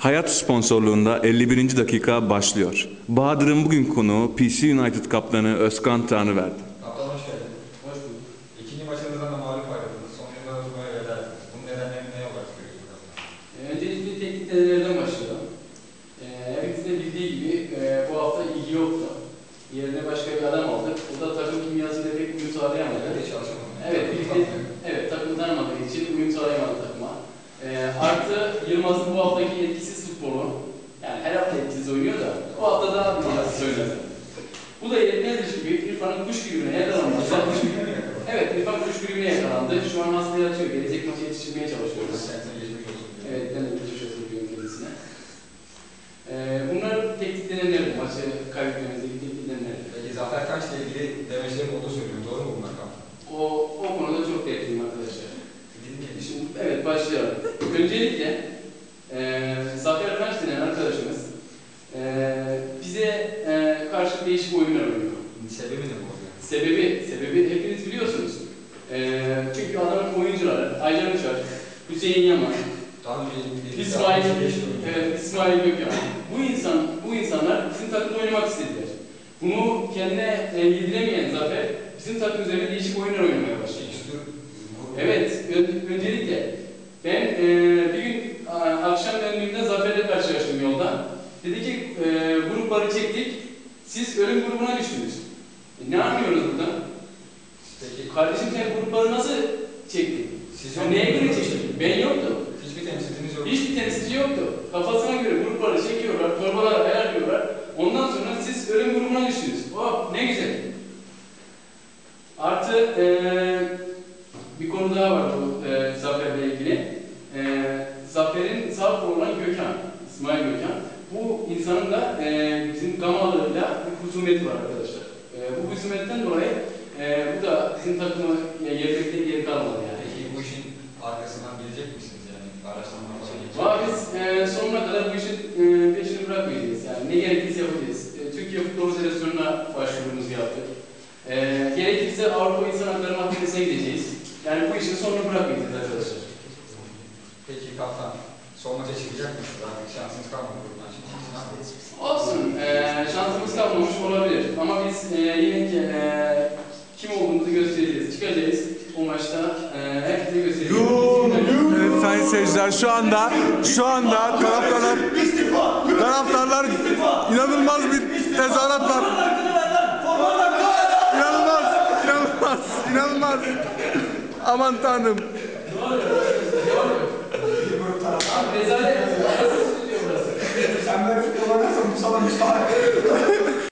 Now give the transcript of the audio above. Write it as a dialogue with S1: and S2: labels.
S1: Hayat sponsorluğunda 51. dakika başlıyor. Bahadır'ın bugün konuğu PC United kaptanı Özkan Tanrıverdi.
S2: Kaptan hoş geldin. Hoş bulduk. İkinci maçınızdan da mağlup ayrıldınız. Son yıllarda buraya veda ettiniz. Bunun nedenlerini ne olarak görüyorsunuz kaptan?
S3: Öncelikle teknik denemelerden başlayalım. Hepimizin de bildiği gibi bu hafta ilgi yoktu. Yerine başka bir adam aldık. O da takım kimyasıyla pek uyum sağlayamadı.
S2: Birlikte çalışamadım.
S3: Evet, takım tanımadığı için uyum sağlayamadı takıma. Artı Yılmaz'ın bu haftaki etkisiz futbolu. Yani her hafta etkisiz oynuyor da bu hafta daha biraz oynadı. Bu da yetmezmiş gibi İrfan'ın kuş gribine yakalandı. Evet, İrfan kuş gribine yakalandı. Şu an hastaya yatıyor. Gelecek maça yetiştirmeye çalışıyoruz. Evet, ben de geçmiş olsun diyorum kendisine. Bunlar teknik denemeler, maçı kaybetmemizdeki teknik denemeler.
S2: Peki Zafer Kaç'la ilgili demeçlerim olduğu söylüyor. Doğru mu bunlar kaptan?
S3: O konuda çok dertliyim arkadaşlar. Şimdi, evet, başlayalım. Öncelikle Zafer Kaç denen arkadaşımız bize karşı değişik oyunlar oynuyor.
S2: Sebebi ne bu?
S3: Sebebi hepiniz biliyorsunuz. Çünkü adamın oyuncuları Aycan Uçar, Hüseyin Yaman, İsmail Gökhan. Bu insanlar bizim takımda oynamak istediler. Bunu kendine yediremeyen Zafer bizim takım üzerinde değişik oyunlar oynamaya başladı. Evet, öncelikle ben bir gün akşam döndüğümde Zafer'le karşılaştım yolda. Dedi ki grupları çektik, siz ölüm grubuna düştünüz. Ne anlıyoruz burada?
S2: Peki.
S3: Kardeşim sen grupları nasıl çektin? Neye göre çektin? Ben yoktu.
S2: Hiçbir temsilciniz yoktu.
S3: Hiçbir temsilci yoktu. Kafasına göre grupları çekiyorlar, torbalara ayarlıyorlar. Ondan sonra siz ölüm grubuna düştünüz. Oh ne güzel. Artı bir konu daha var bu Zafer'le ilgili. Zafer'in sağ kolu olan Gökhan, İsmail Gökhan. Bu insanın da bizim Gamalı'yla bir husumeti var arkadaşlar. Bu husumetten dolayı bu da bizim takımı yermekte geri kalmadı yani.
S2: Peki bu işin arkasından gelecek misiniz yani? Araştırma falan gelecek
S3: Valla biz sonuna kadar bu işin peşini bırakmayacağız. Yani ne gerekirse yapacağız. Türkiye Futbol Federasyonu'na başvurumuzu yaptık. Gerekirse Avrupa İnsan Hakları Mahkemesi'ne gideceğiz. Yani bu işin sonunu bırakmayacağız arkadaşlar.
S2: Peki kaptan, son maça çıkacak mısınız? Artık şansınız kalmadı buradan çıkmak için.
S3: Olsun, şansımız kalmamış olabilir. Ama biz yine kim olduğumuzu göstereceğiz. Çıkacağız o maçta, herkese göstereceğiz.
S4: Evet sayın seyirciler, şu anda taraftarlar inanılmaz bir tezahürat var. İnanılmaz. Aman tanrım.
S3: Rezalet.
S5: Sen böyle futbol oynarsan bu sana müstahak.